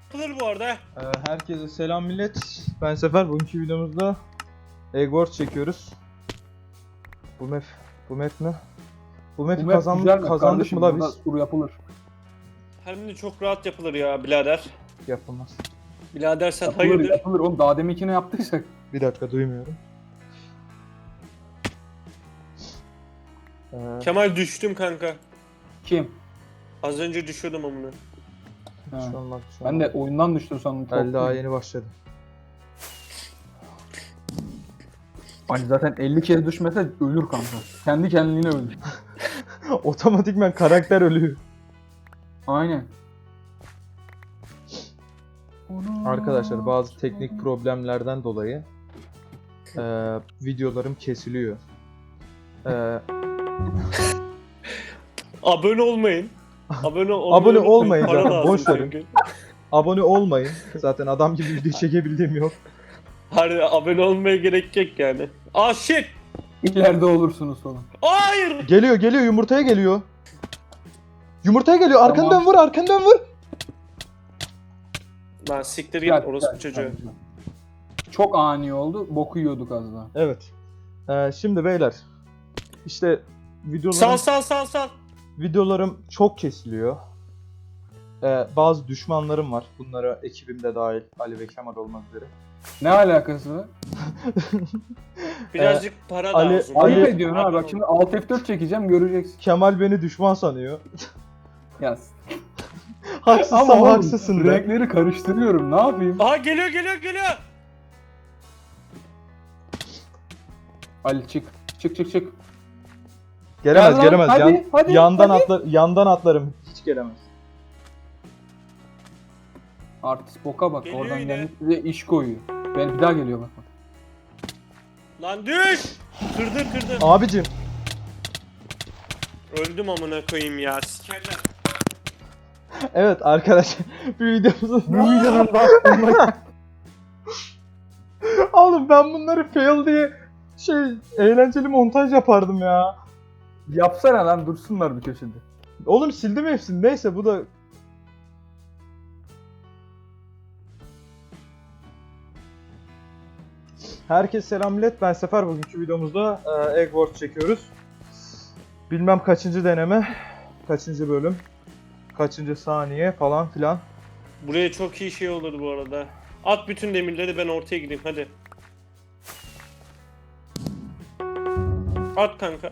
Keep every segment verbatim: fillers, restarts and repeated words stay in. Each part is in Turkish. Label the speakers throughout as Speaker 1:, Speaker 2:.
Speaker 1: yapılır bu arada.
Speaker 2: Ee, herkese selam millet. Ben Sefer. Bugünkü videomuzda Eggwars çekiyoruz. Bu map, bu map ne? Bu map'i
Speaker 3: Bu map
Speaker 2: kazan,
Speaker 3: güzel map
Speaker 2: kazandık
Speaker 3: kardeşim,
Speaker 2: mı la
Speaker 3: burada
Speaker 2: biz?
Speaker 3: sur yapılır.
Speaker 1: Hem de çok rahat yapılır ya birader.
Speaker 2: Yapılmaz.
Speaker 1: Birader sen
Speaker 3: Yapılır
Speaker 1: hayırdır?
Speaker 3: yapılır oğlum, daha deminkini yaptıysak.
Speaker 2: Bir dakika duymuyorum. Ee,
Speaker 1: Kemal düştüm kanka.
Speaker 3: Kim?
Speaker 1: Az önce düşüyordum amına.
Speaker 3: Ha.
Speaker 2: şu an bak, şu
Speaker 3: Ben
Speaker 2: an
Speaker 3: de
Speaker 2: bak.
Speaker 3: oyundan düştüm sandım.
Speaker 2: El daha yeni başladı.
Speaker 3: Hani zaten elli kez düşmese ölür kanka. Kendi kendine ölür.
Speaker 2: Otomatikman karakter ölüyor.
Speaker 3: Aynen.
Speaker 2: Arkadaşlar bazı teknik problemlerden dolayı e, videolarım kesiliyor. E,
Speaker 1: Abone olmayın. Abone olmayın.
Speaker 2: Abone olmayın
Speaker 1: Para
Speaker 2: zaten,
Speaker 1: lazım
Speaker 2: boş verin.
Speaker 1: çünkü.
Speaker 2: abone olmayın. Zaten adam gibi video çekebildiğim yok.
Speaker 1: Harbi abone olmaya gerek yok yani. Aa shit!
Speaker 3: İleride olursunuz sonra.
Speaker 1: Hayır!
Speaker 2: Geliyor geliyor yumurtaya geliyor. Yumurtaya geliyor. Arkandan
Speaker 3: Tamam.
Speaker 2: vur, arkandan vur.
Speaker 1: Lan siktir git
Speaker 3: Gel,
Speaker 1: orospu
Speaker 3: gel,
Speaker 1: çocuğu.
Speaker 3: gel. Çok ani oldu. Boku yiyorduk az daha.
Speaker 2: Evet. Ee, şimdi beyler. İşte videolarım,
Speaker 1: Sal sal sal sal.
Speaker 2: videolarım çok kesiliyor. Ee, bazı düşmanlarım var. Bunlara ekibim de dahil. Ali ve Kemal olmak üzere.
Speaker 3: Ne alakası var?
Speaker 1: Birazcık para
Speaker 2: Ali-
Speaker 1: lazım.
Speaker 2: Ali-
Speaker 3: Ayıp
Speaker 2: Ali-
Speaker 3: ediyorsun ha, bak şimdi Alt F dört çekeceğim, göreceksin.
Speaker 2: Kemal beni düşman sanıyor.
Speaker 3: Yaz.
Speaker 2: Haksızsam
Speaker 3: oğlum,
Speaker 2: haksızsın de.
Speaker 3: renkleri karıştırıyorum, ne yapayım?
Speaker 1: Aha geliyor geliyor geliyor.
Speaker 3: Ali çık. Çık çık çık.
Speaker 2: Gelemez
Speaker 3: Gel lan,
Speaker 2: gelemez.
Speaker 3: hadi,
Speaker 2: Yan-
Speaker 3: hadi,
Speaker 2: yandan
Speaker 3: hadi.
Speaker 2: atlar yandan atlarım. Hiç gelemez.
Speaker 3: Artist boka bak,
Speaker 1: Geliyor
Speaker 3: oradan
Speaker 1: yine.
Speaker 3: gelmiş bize iş koyuyor. Ben bir daha geliyor bak bak.
Speaker 1: Lan düş! Kırdı kırdı.
Speaker 2: Abicim
Speaker 1: Öldüm amına koyayım ya. Sikerler.
Speaker 2: evet arkadaşlar bir videomuzun
Speaker 3: Bu videonun daha sonuna
Speaker 2: Oğlum ben bunları fail diye şey eğlenceli montaj yapardım ya.
Speaker 3: yapsana lan, dursunlar bir köşede.
Speaker 2: Oğlum sildim hepsini. Neyse bu da Herkese selam millet. Ben Sefer. Bugünkü videomuzda e, Eggwars çekiyoruz. Bilmem kaçıncı deneme, kaçıncı bölüm, kaçıncı saniye falan filan.
Speaker 1: Buraya çok iyi şey olur bu arada. At bütün demirleri ben ortaya gideyim hadi. At kanka.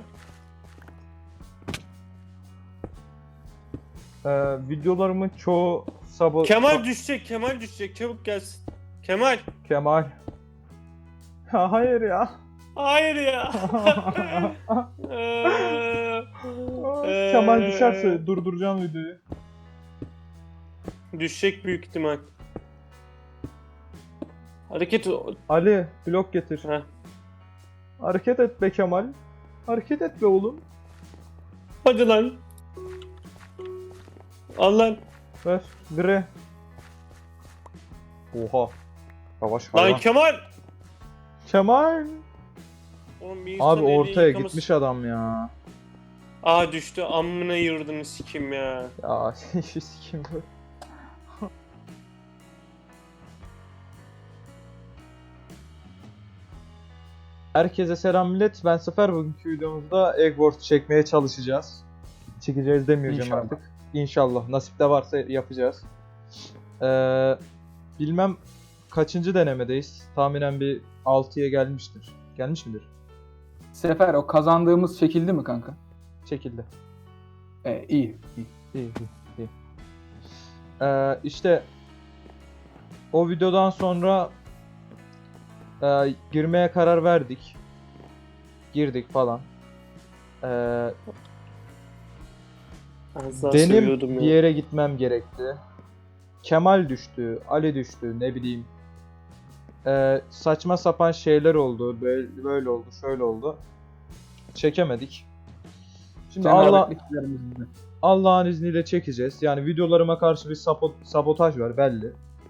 Speaker 2: E, videolarımın çoğu sabo...
Speaker 1: Kemal düşecek, Kemal düşecek. Çabuk gelsin. Kemal.
Speaker 2: Kemal. Ya hayır ya.
Speaker 1: Hayır ya. Eee,
Speaker 2: Kemal düşerse durduracağım videoyu.
Speaker 1: Düşecek büyük ihtimal. Hareket
Speaker 2: Ali blok getir.
Speaker 1: Heh.
Speaker 2: Hareket et be Kemal. Hareket et be oğlum.
Speaker 1: Hadi lan. Al lan.
Speaker 2: Ver. Gre. Oha. Yavaş
Speaker 1: Lan
Speaker 2: hayvan.
Speaker 1: Kemal.
Speaker 2: Kemal.
Speaker 1: Oğlum bir
Speaker 2: Abi
Speaker 1: insan eli
Speaker 2: ortaya
Speaker 1: yıkaması-
Speaker 2: gitmiş adam ya.
Speaker 1: Aa düştü. Amına yurdunu sikim ya.
Speaker 2: Ya şu sikim bu. Herkese selam millet. Ben Sefer. Bugünkü videomuzda Eggwars çekmeye çalışacağız. Çekeceğiz demeyeceğim
Speaker 3: İnşallah.
Speaker 2: artık. İnşallah. Nasip de varsa yapacağız. Ee, bilmem kaçıncı denemedeyiz. Tahminen bir altıya gelmiştir. Gelmiş midir?
Speaker 3: Sefer, o kazandığımız çekildi mi kanka?
Speaker 2: Çekildi.
Speaker 3: E, iyi, iyi.
Speaker 2: İyi, iyi, iyi. Ee, işte o videodan sonra e, girmeye karar verdik. Girdik falan. Ee,
Speaker 1: Az daha
Speaker 2: benim
Speaker 1: seviyordum
Speaker 2: bir
Speaker 1: ya.
Speaker 2: yere gitmem gerekti. Kemal düştü, Ali düştü, ne bileyim. Ee, saçma sapan şeyler oldu, böyle, böyle oldu, şöyle oldu. Çekemedik. Şimdi Allah
Speaker 3: Cenabetliklerimizde.
Speaker 2: Allah'ın izniyle çekeceğiz. Yani videolarıma karşı bir sabo- sabotaj var belli.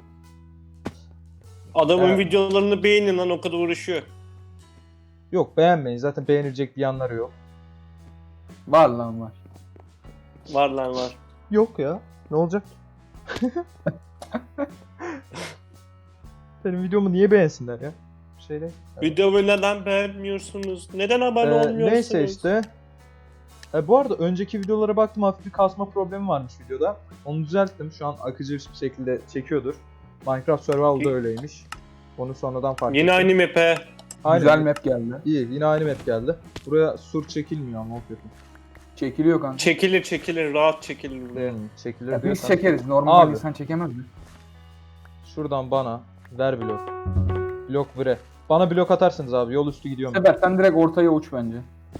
Speaker 1: Adamın
Speaker 2: Evet.
Speaker 1: videolarını beğenin lan o kadar uğraşıyor.
Speaker 2: Yok beğenmeyin. Zaten beğenilecek bir yanları yok.
Speaker 3: Var lan var.
Speaker 1: Var lan var.
Speaker 2: Yok ya. Ne olacak? Benim videomu niye beğensinler ya? Şeyde.
Speaker 1: Videomu neden beğenmiyorsunuz? Neden abone
Speaker 2: Ee,
Speaker 1: olmuyorsunuz?
Speaker 2: neyse işte. E, bu arada önceki videolara baktım, hafif bir kasma problemi varmış videoda. Onu düzelttim. Şu an akıcı bir şekilde çekiyordur. Minecraft Survival'da öyleymiş. Onu sonradan fark
Speaker 1: Yine
Speaker 2: ettim.
Speaker 1: aynı map'e.
Speaker 2: Aynen.
Speaker 3: Güzel map geldi.
Speaker 2: İyi, yine aynı map geldi. Buraya sur çekilmiyor ama o kötü.
Speaker 3: Çekiliyor kanka.
Speaker 1: Çekilir çekilir, rahat çekilir buraya.
Speaker 2: Hmm, çekilir
Speaker 3: Ya biz
Speaker 2: diyorsan-
Speaker 3: çekeriz. Normal
Speaker 2: Abi.
Speaker 3: insan çekemez mi?
Speaker 2: Şuradan bana ver blok. Blok vire. Bana blok atarsınız abi. Yol üstü gidiyorum.
Speaker 3: Sefer sen direkt ortaya uç bence.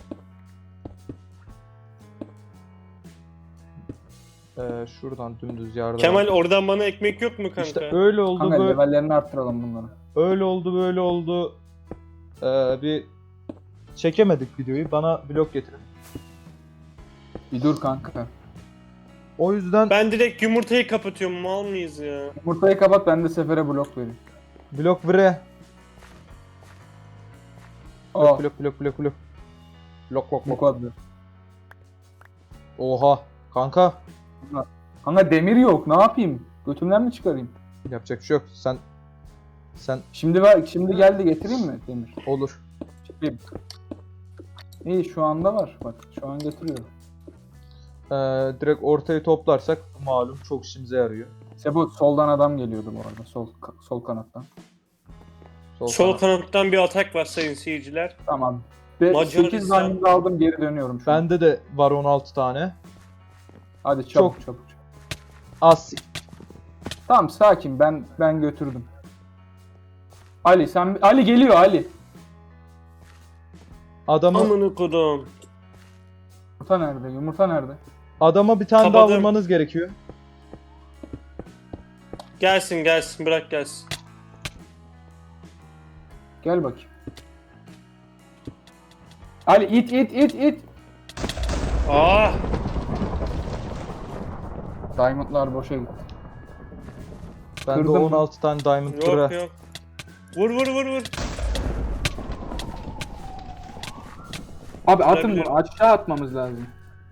Speaker 2: Ee, şuradan dümdüz yardım.
Speaker 1: Kemal oradan bana ekmek yok mu kanka?
Speaker 2: İşte öyle oldu,
Speaker 3: Kanka
Speaker 2: böyle,
Speaker 3: levellerini arttıralım bunları.
Speaker 2: öyle oldu, böyle oldu. Ee, bir çekemedik videoyu. Bana blok getirin.
Speaker 3: Bir dur kanka.
Speaker 2: O yüzden
Speaker 1: Ben direkt yumurtayı kapatıyorum, mal mıyız ya?
Speaker 3: Yumurtayı kapat, ben de Sefer'e blok vereyim.
Speaker 2: blok vire.
Speaker 3: Aa,
Speaker 2: Blok blok blok blok blok. Blok blok
Speaker 3: bu
Speaker 2: blok.
Speaker 3: kadar.
Speaker 2: Oha. Kanka.
Speaker 3: Kanka demir yok, ne yapayım? Götümden mi çıkarayım?
Speaker 2: Yapacak bir şey yok. Sen sen
Speaker 3: Şimdi ver, şimdi geldi, getireyim mi demir?
Speaker 2: olur.
Speaker 3: Çıkayım. İyi, şu anda var. Bak şu an getiriyorum.
Speaker 2: Ee, direkt ortayı toplarsak malum çok işimize yarıyor.
Speaker 3: Sebo, soldan adam geliyordu bu arada. Sol sol kanattan.
Speaker 2: Sol
Speaker 1: Sol
Speaker 2: kanat.
Speaker 1: kanattan bir atak var sayın seyirciler.
Speaker 3: Tamam. Ve
Speaker 1: Macaristan.
Speaker 3: sekiz diamond aldım, geri dönüyorum şu an.
Speaker 2: Bende de var on altı tane.
Speaker 3: Hadi çabuk
Speaker 2: Çok-
Speaker 3: çabuk.
Speaker 2: Az.
Speaker 3: Tamam, sakin, ben ben götürdüm. Ali sen Ali geliyor Ali.
Speaker 2: Adamı
Speaker 1: Amını kodum.
Speaker 3: Yumurta nerede? Yumurta nerede?
Speaker 2: adama bir tane daha
Speaker 1: Kapadım.
Speaker 2: vurmanız gerekiyor.
Speaker 1: Gelsin gelsin, bırak gelsin.
Speaker 3: Gel bakayım. Ali it it it it.
Speaker 1: Ah!
Speaker 3: Diamondlar boşa gitti.
Speaker 2: Bende
Speaker 3: Kırdım.
Speaker 2: on altı tane diamond
Speaker 1: Yok
Speaker 2: kıra.
Speaker 1: yok. Vur vur vur vur.
Speaker 3: Abi atın
Speaker 1: Kırabilirim.
Speaker 3: bunu, aşağı atmamız lazım.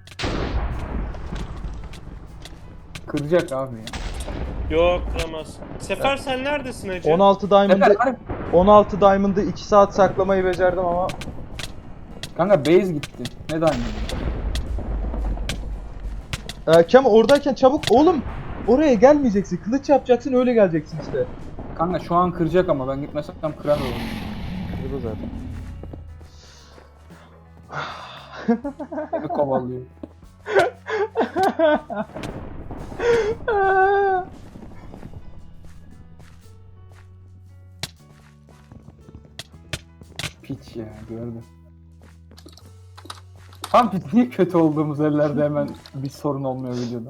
Speaker 3: Kıracak abi ya.
Speaker 1: Yok kıramaz. Sefer sen neredesin hacı?
Speaker 2: on altı diamond'ı
Speaker 3: Sefer, hadi.
Speaker 2: on altı diamond'ı iki saat saklamayı becerdim ama
Speaker 3: Kanka base gitti. Ne diamond?
Speaker 2: ee, Kem oradayken çabuk oğlum, oraya gelmeyeceksin. Kılıç yapacaksın, öyle geleceksin işte.
Speaker 3: Kanka şu an kıracak ama ben gitmesem kırar olur.
Speaker 2: Bu zaten.
Speaker 3: Beni kovalıyor. Piç ya, gördüm. Tam biz niye kötü olduğumuz yerlerde hemen bir sorun olmuyor videoda.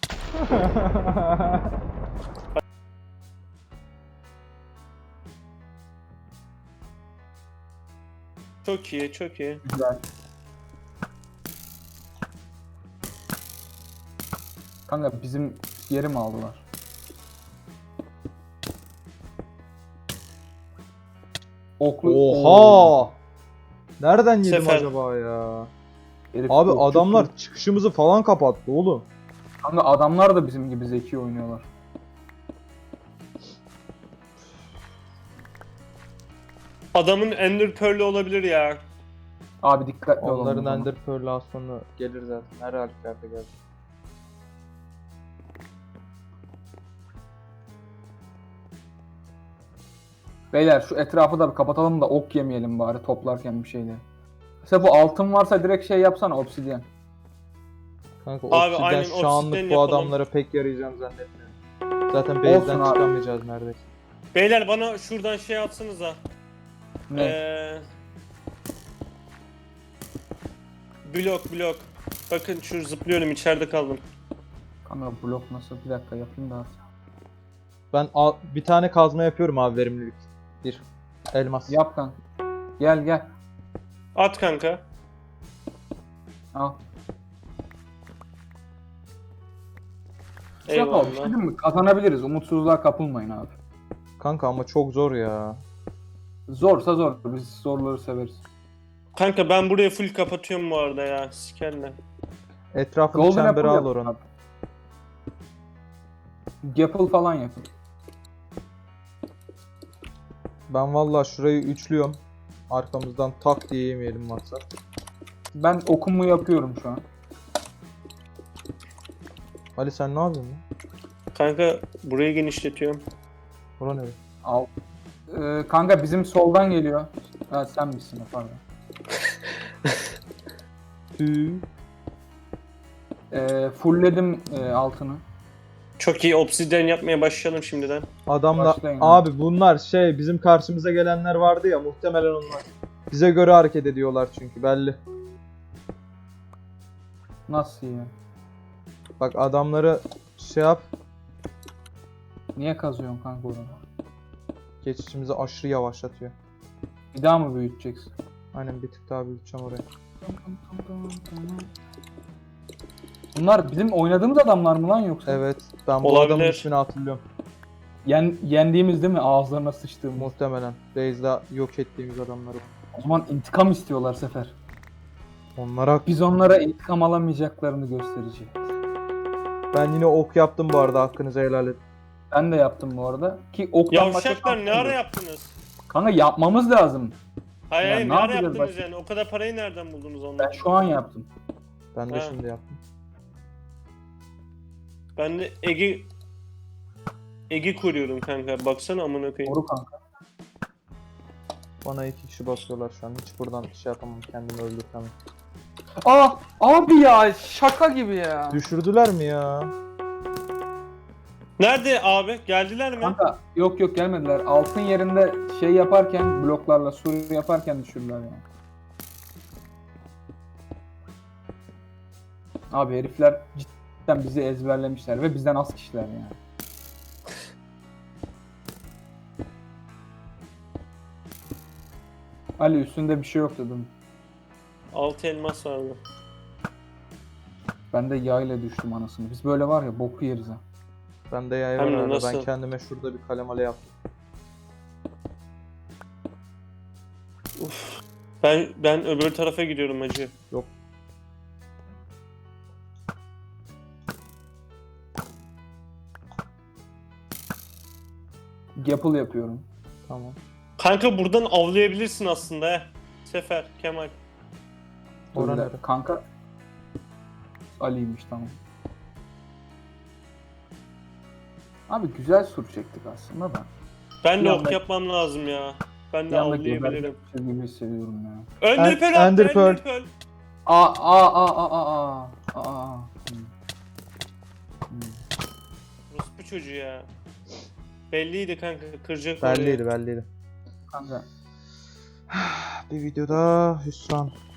Speaker 1: Çok iyi çok iyi.
Speaker 3: Güzel. Kanka bizim yeri mi aldılar? Oklu.
Speaker 2: Oha! Nereden yedim
Speaker 1: Sefer.
Speaker 2: acaba ya?
Speaker 3: Herif
Speaker 2: Abi
Speaker 3: okçu
Speaker 2: adamlar
Speaker 3: kız.
Speaker 2: çıkışımızı falan kapattı oğlum.
Speaker 3: Kanka adamlar da bizim gibi zeki oynuyorlar.
Speaker 1: Adamın Ender Pearl'ü olabilir ya.
Speaker 3: Abi dikkatli olun. o
Speaker 2: Onların
Speaker 3: zaman.
Speaker 2: Ender Pearl'ü az sonra gelir zaten. Her halükarda gelir.
Speaker 3: Beyler şu etrafı da bir kapatalım da ok yemeyelim bari toplarken bir şeyleri. Mesela bu altın varsa direkt şey yapsana, obsidyen.
Speaker 2: Kanka
Speaker 1: Abi,
Speaker 2: obsidyen
Speaker 1: aynen,
Speaker 2: şu anlık
Speaker 1: obsidyen
Speaker 2: bu
Speaker 1: yapalım.
Speaker 2: adamlara pek yarayacağını zannetmiyorum. Zaten base'den
Speaker 3: abi.
Speaker 2: çıkamayacağız neredeyse.
Speaker 1: Beyler bana şuradan şey atsanıza.
Speaker 3: Ne?
Speaker 1: Ee, blok blok. Bakın şu zıplıyorum, içeride kaldım.
Speaker 3: Kanka blok nasıl? Bir dakika yapayım da.
Speaker 2: Ben al- bir tane kazma yapıyorum abi, verimlilik. Bir elmas.
Speaker 3: Yap kanka. Gel gel.
Speaker 1: At kanka.
Speaker 3: Al. Yapalım.
Speaker 1: Eyvallah.
Speaker 3: Değil mi? Kazanabiliriz. Umutsuzluğa kapılmayın abi.
Speaker 2: Kanka ama çok zor ya.
Speaker 3: Zorsa zor. Biz zorları severiz.
Speaker 1: Kanka ben burayı full kapatıyorum bu arada ya. Sikerler.
Speaker 2: Etrafını
Speaker 3: Golden
Speaker 2: çembere
Speaker 3: apple
Speaker 2: al
Speaker 3: yap
Speaker 2: oranın.
Speaker 3: abi. Gapple falan yapın.
Speaker 2: Ben vallahi şurayı üçlüyorum. Arkamızdan tak diye yemeyelim maksat.
Speaker 3: Ben okumu yapıyorum şu an.
Speaker 2: Ali sen ne yapıyorsun lan?
Speaker 1: Kanka burayı genişletiyorum.
Speaker 2: Bura ne?
Speaker 3: Al. Ee, kanka bizim soldan geliyor. Ha sen misin o, pardon.
Speaker 2: Tüü.
Speaker 3: Ee, fullledim e, altını.
Speaker 1: Çok iyi, obsidyen yapmaya başlayalım şimdiden.
Speaker 2: Adamla
Speaker 3: Başlayın
Speaker 2: abi bunlar şey bizim karşımıza gelenler vardı ya muhtemelen onlar. Bize göre hareket ediyorlar çünkü belli.
Speaker 3: Nasıl ya?
Speaker 2: Bak adamları şey yap.
Speaker 3: Niye kazıyorsun kanka onu?
Speaker 2: Geçişimizi aşırı yavaşlatıyor.
Speaker 3: Bir daha mı büyüteceksin?
Speaker 2: Aynen bir tık daha büyüteceğim oraya.
Speaker 3: Bunlar bizim oynadığımız adamlar mı lan yoksa?
Speaker 2: Evet ben bu
Speaker 1: Olabilir.
Speaker 2: adamın ismini hatırlıyorum.
Speaker 3: Yen, yendiğimiz değil mi? Ağızlarına sıçtığımız.
Speaker 2: Muhtemelen. Base'de yok ettiğimiz adamları.
Speaker 3: O zaman intikam istiyorlar Sefer.
Speaker 2: Onlara
Speaker 3: Biz onlara intikam alamayacaklarını göstereceğiz.
Speaker 2: ben yine ok yaptım bu arada hakkınızı helal edin.
Speaker 3: Ben de yaptım bu arada. Ki oktan başka
Speaker 1: Yavşaklar ne
Speaker 3: şansım
Speaker 1: ara
Speaker 3: yok.
Speaker 1: yaptınız?
Speaker 3: Kanka yapmamız lazım.
Speaker 1: Hayır
Speaker 3: Ya
Speaker 1: hayır
Speaker 3: ne
Speaker 1: ne ara
Speaker 3: yapacağız
Speaker 1: yaptınız
Speaker 3: başka?
Speaker 1: yani? O kadar parayı nereden buldunuz
Speaker 3: Ben
Speaker 1: ondan?
Speaker 3: şu an yaptım.
Speaker 2: Ben de
Speaker 1: Ha.
Speaker 2: şimdi yaptım.
Speaker 1: Ben de Ege... Ege kuruyorum kanka. Baksana amına koyayım.
Speaker 3: Doğru kanka.
Speaker 2: Bana iki kişi basıyorlar şu an. Hiç buradan şey yapamam. Kendimi öldürtemem.
Speaker 3: Aa abi ya şaka gibi ya.
Speaker 2: Düşürdüler mi ya?
Speaker 1: Nerede abi? Geldiler mi?
Speaker 3: Kanka yok yok gelmediler. Altın yerinde şey yaparken bloklarla sur yaparken düşürdüler yani. Abi herifler cidden bizi ezberlemişler ve bizden az kişiler yani. Ali üstünde bir şey yok dedim.
Speaker 1: Altı elmas vardı.
Speaker 3: Ben de yayla düştüm anasını. Biz böyle var ya boku yeriz ha.
Speaker 2: Ben de yay
Speaker 1: Hem
Speaker 2: var
Speaker 1: de
Speaker 2: arada. Ben
Speaker 1: nasıl?
Speaker 2: kendime şurada bir kalemale yaptım.
Speaker 1: Ben ben öbür tarafa gidiyorum hacı.
Speaker 2: Yok.
Speaker 3: Gapple yapıyorum.
Speaker 2: Tamam.
Speaker 1: Kanka buradan avlayabilirsin aslında he. Sefer, Kemal.
Speaker 2: Ora
Speaker 3: Dur bir
Speaker 2: nere?
Speaker 3: dakika. Kanka. Ali'ymiş tamam. Abi güzel sur çektik aslında da.
Speaker 1: Ben
Speaker 3: Bir
Speaker 1: de
Speaker 3: anda-
Speaker 1: ok yapmam lazım ya. Ben
Speaker 3: Bir
Speaker 1: de
Speaker 3: anda
Speaker 1: avlayabilirim.
Speaker 3: gebertmişiz gibi hissediyorum ya.
Speaker 1: Ender
Speaker 2: En-
Speaker 1: Pearl attı,
Speaker 2: Ender
Speaker 1: Ender
Speaker 2: Pearl.
Speaker 1: Pearl.
Speaker 3: Aa aa aa aa aa aa aa. Hmm. Hmm.
Speaker 1: Ruspu çocuğu ya. Belliydi kanka, kıracak orayı.
Speaker 2: Belliydi belliydi.
Speaker 3: Kanka
Speaker 2: Bir videoda hüsran.